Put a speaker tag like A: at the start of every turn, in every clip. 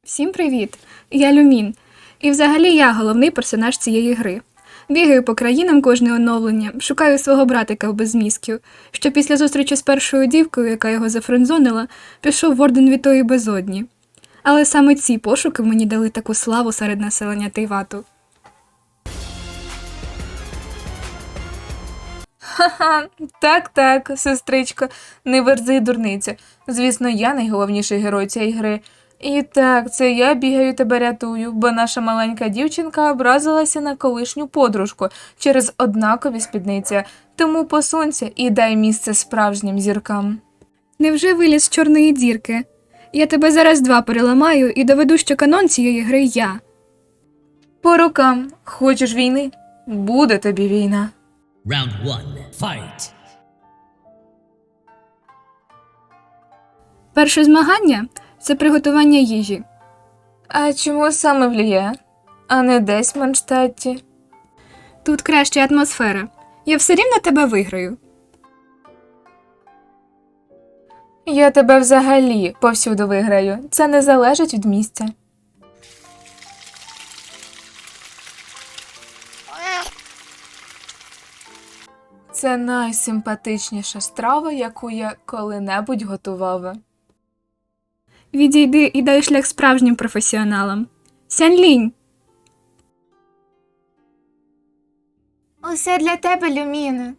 A: Всім привіт! Я Люмін. І взагалі я головний персонаж цієї гри. Бігаю по країнам кожне оновлення, шукаю свого братика в безмізків, що після зустрічі з першою дівкою, яка його зафрендзонила, пішов в Орден Вітої Безодні. Але саме ці пошуки мені дали таку славу серед населення Тейвату.
B: Ха-ха, так, сестричко, не верзи дурниця. Звісно, я найголовніший герой цієї гри. І так, це я бігаю тебе рятую, бо наша маленька дівчинка образилася на колишню подружку через однакові спідниці. Тому посунься і дай місце справжнім зіркам.
A: Невже виліз з чорної дірки? Я тебе зараз два переламаю і доведу, що канон цієї гри я.
B: По рукам. Хочеш війни? Буде тобі війна.
C: Round 1. Fight!
A: Перше змагання – це приготування їжі.
B: А чому саме в Ліє? А не десь в Манштатті?
A: Тут краща атмосфера. Я все рівно тебе виграю.
B: Я тебе взагалі повсюду виграю. Це не залежить від місця. Це найсимпатичніша страва, яку я коли-небудь готувала.
A: Відійди і дай шлях справжнім професіоналам. Сянь-лінь!
B: Усе для тебе, Люміне.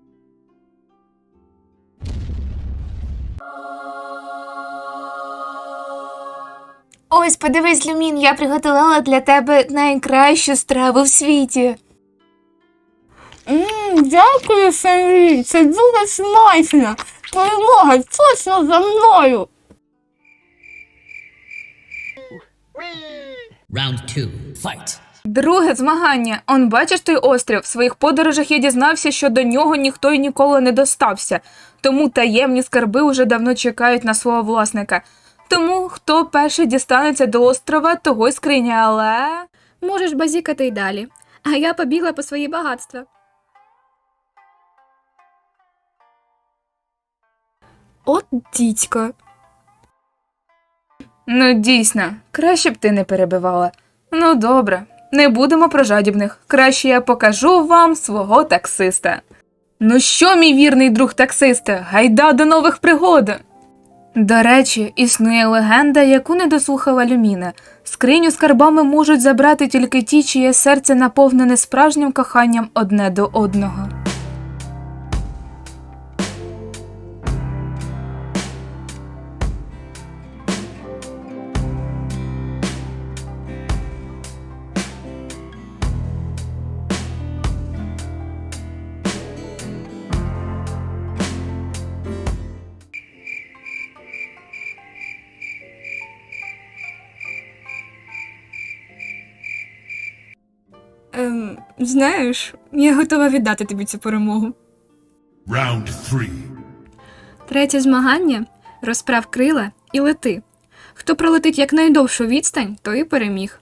B: Ось, подивись, Люмін, я приготувала для тебе найкращу страву в світі.
A: Дякую, Сянь-лінь, це дуже смачно. Перемога точно за мною.
C: Round 2. Fight!
B: Друге змагання. Он бачиш той острів? В своїх подорожах я дізнався, що до нього ніхто й ніколи не достався. Тому таємні скарби уже давно чекають на свого власника. Тому, хто перший дістанеться до острова, того й скриня, але...
A: Можеш базікати й далі. А я побігла по свої багатства. От дідько.
B: Ну, дійсно, краще б ти не перебивала. Ну, добре, не будемо про жадібних. Краще я покажу вам свого таксиста. Ну що, мій вірний друг таксиста, гайда до нових пригод! До речі, існує легенда, яку не дослухала Люміна. Скриню з скарбами можуть забрати тільки ті, чиє серце наповнене справжнім коханням одне до одного.
A: Знаєш, я готова віддати тобі цю перемогу.
D: Round 3.
A: Третє змагання – розправ крила і лети. Хто пролетить якнайдовшу відстань, той і переміг.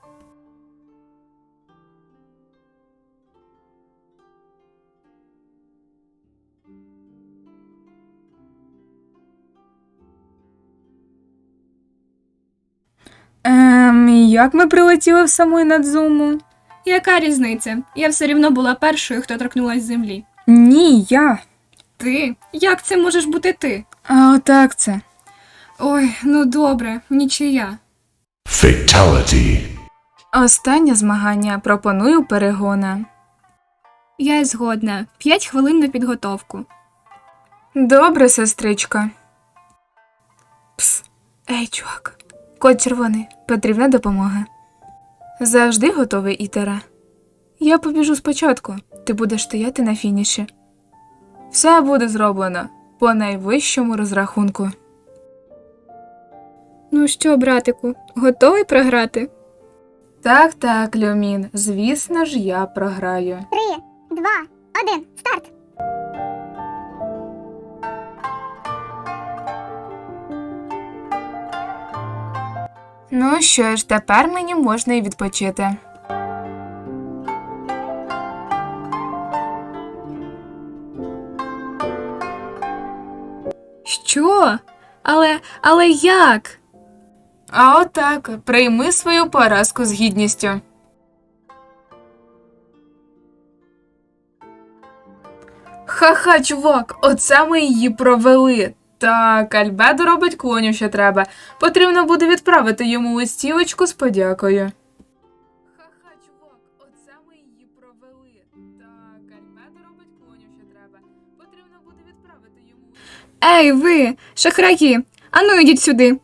B: Як ми прилетіли в саму Інадзуму?
A: Яка різниця? Я все рівно була першою, хто торкнулась землі.
B: Ні, я.
A: Ти? Як це можеш бути ти?
B: А отак це.
A: Ой, ну добре, нічия.
D: Fatality.
B: Останнє змагання. Пропоную перегона.
A: Я згодна. 5 хвилин на підготовку.
B: Добре, сестричка. Пс. Ей, чувак. Код червоний. Потрібна допомога. Завжди готовий, Ітера? Я побіжу спочатку. Ти будеш стояти на фініші. Все буде зроблено. По найвищому розрахунку.
A: Ну що, братику, готовий програти?
B: Так, Люмін. Звісно ж, я програю.
E: 3, 2, 1, старт!
B: Ну що ж, тепер мені можна і відпочити.
A: Що? Але як?
B: А отак, прийми свою поразку з гідністю. Ха-ха, чувак, оце ми її провели. Так, Альбедо робить клонів, що треба. Потрібно буде відправити йому листівочку з подякою. Ха-ха, чувак, оце ми її провели. Так, Альбедо робить клонів, що треба. Потрібно буде відправити йому...
A: Ей, ви, шахраї! Ану, йдіть сюди.